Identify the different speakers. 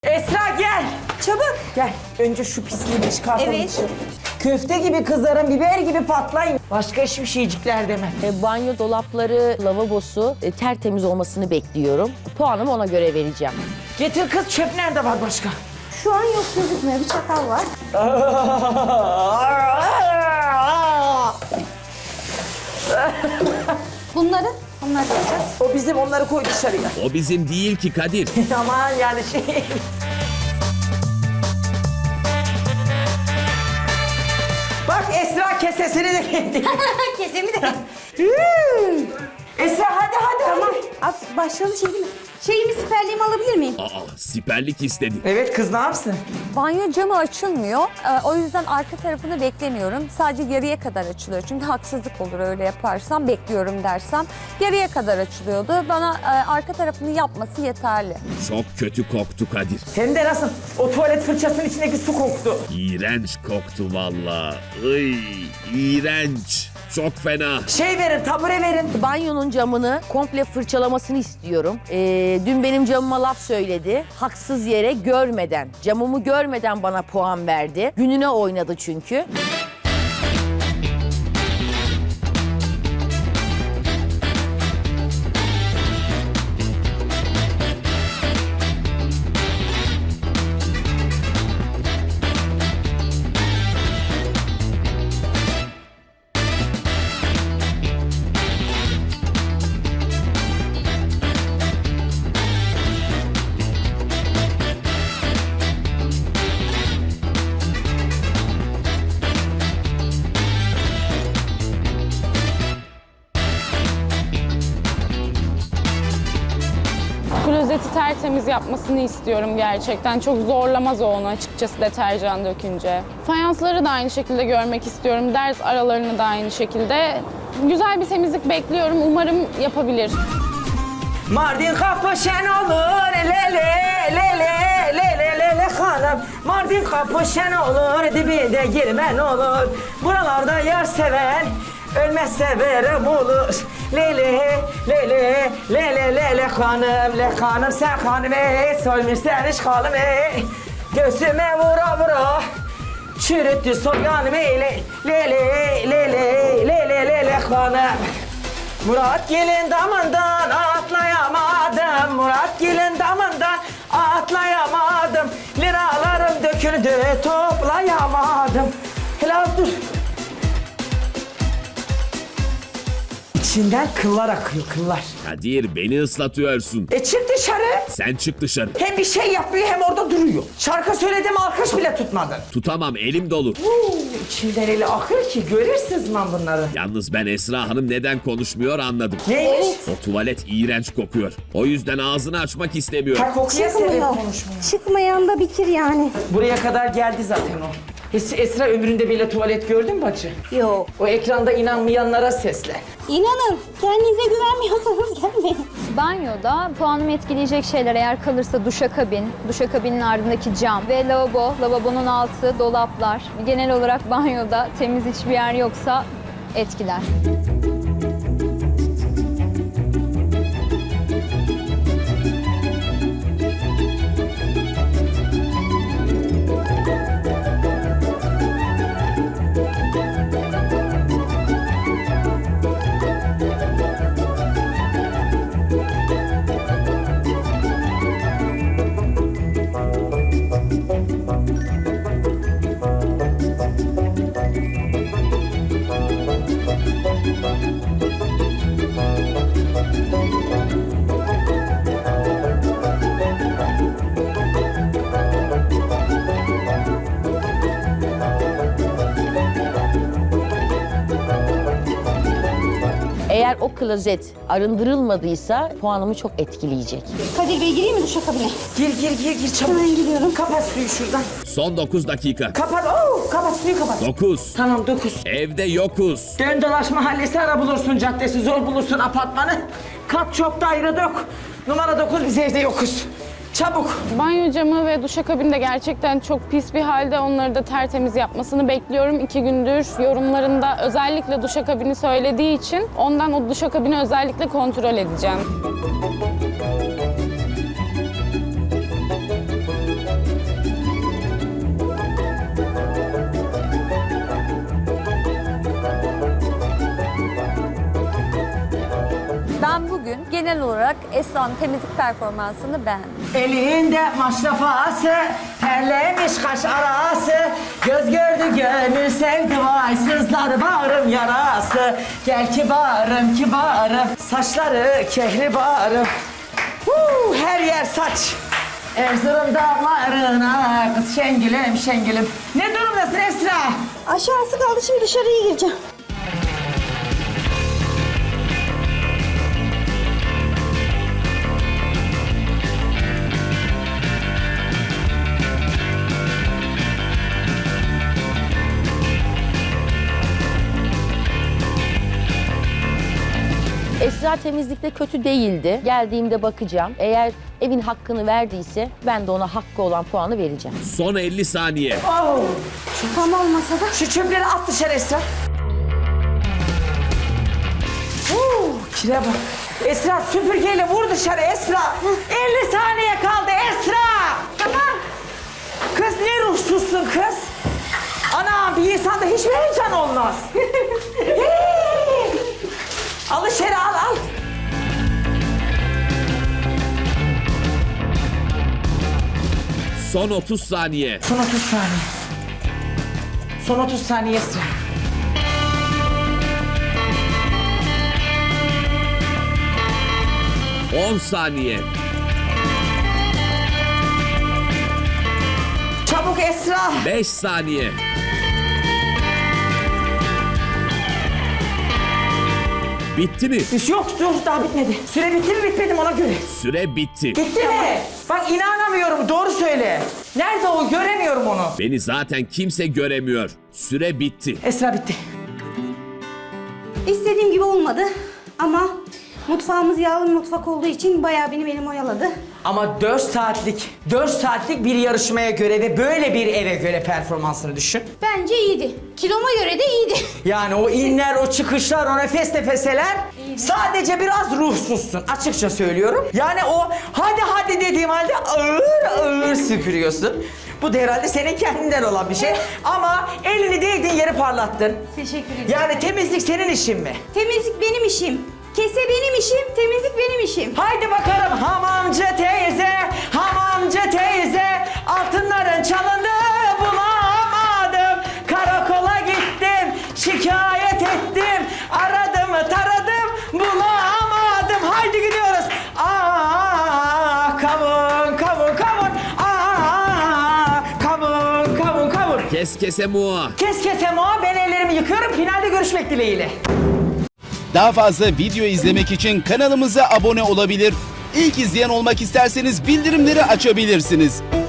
Speaker 1: Esra gel.
Speaker 2: Çabuk.
Speaker 1: Gel. Önce şu pisliğini çıkartalım.
Speaker 2: Evet.
Speaker 1: dışarı. Köfte gibi kızarın, biber gibi patlayın. Başka hiçbir şeycikler deme.
Speaker 3: Banyo dolapları, lavabosu tertemiz olmasını bekliyorum. Puanımı ona göre vereceğim.
Speaker 1: Getir kız, çöp nerede var başka?
Speaker 2: Şu an yok, gözükmüyor. Bir çatal var. Bunları yapacağız.
Speaker 1: O bizim, onları koy dışarıya.
Speaker 4: O bizim değil ki Kadir.
Speaker 1: Aman yani şey... Bak Esra kesesini de getirdi.
Speaker 2: Kesemi de.
Speaker 1: Esra hadi.
Speaker 2: Tamam. Başlayalım şey değil mi? Şeyimi, siperliğimi alabilir miyim?
Speaker 4: Aa, siperlik istedi.
Speaker 1: Evet kız ne yapsın?
Speaker 5: Banyo camı açılmıyor. O yüzden arka tarafını beklemiyorum. Sadece yarıya kadar açılıyor. Çünkü haksızlık olur öyle yaparsam, bekliyorum dersem. Yarıya kadar açılıyordu. Bana arka tarafını yapması yeterli.
Speaker 4: Çok kötü koktu Kadir.
Speaker 1: Hem de nasıl? O tuvalet fırçasının içindeki su koktu.
Speaker 4: İğrenç koktu valla. Iy, iğrenç. Çok fena.
Speaker 1: Şey verin, tabure verin.
Speaker 3: Banyonun camını komple fırçalamasını istiyorum. Dün benim camıma laf söyledi. Haksız yere görmeden, camımı görmeden bana puan verdi. Gününe oynadı çünkü.
Speaker 6: Klozeti tertemiz yapmasını istiyorum gerçekten. Çok zorlamaz o onu açıkçası deterjan dökünce. Fayansları da aynı şekilde görmek istiyorum. Ders aralarını da aynı şekilde. Güzel bir temizlik bekliyorum. Umarım yapabilir.
Speaker 1: Mardin kapı şen olur, le hanım. Mardin kapı şen olur, dibinde girmen olur. Buralarda yar seven, ölmez severim olur. Le hanım sen hanım solmuş sen iş hanım göğsüme vura vura. Çürüttü soyanım le hanım. Murat gelin damından atlayamadım. Murat gelin damından atlayamadım. Liralarım döküldü toplayamadım. Helal dur. İçinden kıllar akıyor, kıllar.
Speaker 4: Kadir beni ıslatıyorsun.
Speaker 1: Çık dışarı.
Speaker 4: Sen çık dışarı.
Speaker 1: Hem bir şey yapmıyor hem orada duruyor. Şarkı söyledim, alkış bile tutmadın.
Speaker 4: Tutamam, elim dolu.
Speaker 1: İçinden eli akır ki görürsünüz lan bunları.
Speaker 4: Yalnız ben Esra Hanım neden konuşmuyor anladım.
Speaker 1: Neymiş?
Speaker 4: O tuvalet iğrenç kokuyor. O yüzden ağzını açmak istemiyor.
Speaker 1: Ha kokuya sebep
Speaker 2: Çıkmıyor.
Speaker 1: konuşmuyor.
Speaker 2: Çıkmayan da bitir yani.
Speaker 1: Buraya kadar geldi zaten o. Esra ömründe bile tuvalet gördün mü bacı?
Speaker 2: Yok.
Speaker 1: O ekranda inanmayanlara sesle.
Speaker 2: İnanın, kendinize güvenmiyorsanız gelmeyin.
Speaker 7: Banyoda puanımı etkileyecek şeyler eğer kalırsa duşakabinin ardındaki cam ve lavabo, lavabonun altı, dolaplar. Genel olarak banyoda temiz hiçbir yer yoksa etkiler.
Speaker 3: Eğer o klozet arındırılmadıysa puanımı çok etkileyecek.
Speaker 2: Kadir Bey gireyim mi duşakabine?
Speaker 1: Gir çabuk.
Speaker 2: Hemen giriyorum.
Speaker 1: Kapat suyu şuradan.
Speaker 4: Son 9 dakika.
Speaker 1: Kapat. Kapat suyu kapat.
Speaker 4: 9.
Speaker 1: Tamam 9.
Speaker 4: Evde yokuz.
Speaker 1: Dön dolaş mahallesi ara bulursun, caddesi zor bulursun apartmanı. Kat çok daire dök. Numara 9 biz evde yokuz. Çabuk.
Speaker 6: Banyo camı ve duşakabin de gerçekten çok pis bir halde. Onları da tertemiz yapmasını bekliyorum. 2 gündür yorumlarında özellikle duşakabini söylediği için ondan o duşakabini özellikle kontrol edeceğim.
Speaker 5: genel olarak Esra'nın temizlik performansını beğendim.
Speaker 1: Elinde maşrafası, terlemiş kaş arası. Göz gördü gönül sevdi vay, sızlar bağrım yarası. Gel kibarım kibarım, saçları kehribarım. Her yer saç. Erzurum dağlarına kız şengilim şengilim. Ne durumdasın Esra?
Speaker 2: Aşağısı kaldı, şimdi dışarıya gireceğim.
Speaker 3: Esra temizlikte kötü değildi. Geldiğimde bakacağım. Eğer evin hakkını verdiyse ben de ona hakkı olan puanı vereceğim.
Speaker 4: Son 50 saniye.
Speaker 1: Oh.
Speaker 2: Tam olmasa da.
Speaker 1: Şu çöpleri at dışarı Esra. Kire bak. Esra süpürgeyle vur dışarı Esra. 50 saniye kaldı Esra. Tamam. Kız ne ruhsuzsun kız. Ana bir insanda hiç mi heyecan olmaz? Al içeri al.
Speaker 4: Son 30 saniye.
Speaker 1: Son 30 saniye. Son 30 saniye Esra.
Speaker 4: On saniye.
Speaker 1: Çabuk Esra.
Speaker 4: 5 saniye. Bitti mi?
Speaker 1: Yok dur daha bitmedi. Süre bitti mi bitmedi mi ona göre.
Speaker 4: Süre bitti.
Speaker 1: Bitti mi? Bak inanamıyorum doğru söyle. Nerede o göremiyorum onu.
Speaker 4: Beni zaten kimse göremiyor. Süre bitti.
Speaker 1: Esra bitti.
Speaker 2: İstediğim gibi olmadı ama mutfağımız yağlı bir mutfak olduğu için bayağı benim oyaladı.
Speaker 1: Ama 4 saatlik bir yarışmaya göre ve böyle bir eve göre performansını düşün.
Speaker 2: Bence iyiydi. Kiloma göre de iyiydi.
Speaker 1: Yani o inler, o çıkışlar, o nefes nefeseler sadece biraz ruhsuzsun açıkça söylüyorum. Yani o hadi dediğim halde ağır süpürüyorsun. Bu da herhalde senin kendinden olan bir şey. Ama elini değdiğin yeri parlattın.
Speaker 2: Teşekkür ederim.
Speaker 1: Yani temizlik senin işin mi?
Speaker 2: Temizlik benim işim. Kese benim işim, temizlik benim işim.
Speaker 1: Haydi bakalım hamamcı teyze, altınların çalındı bulamadım. Karakola gittim, şikayet ettim, aradım taradım bulamadım. Haydi gidiyoruz. Kavun, kavun.
Speaker 4: Kes kese mua.
Speaker 1: Kes kese moğa, ben ellerimi yıkıyorum. Finalde görüşmek dileğiyle.
Speaker 8: Daha fazla video izlemek için kanalımıza abone olabilir. İlk izleyen olmak isterseniz bildirimleri açabilirsiniz.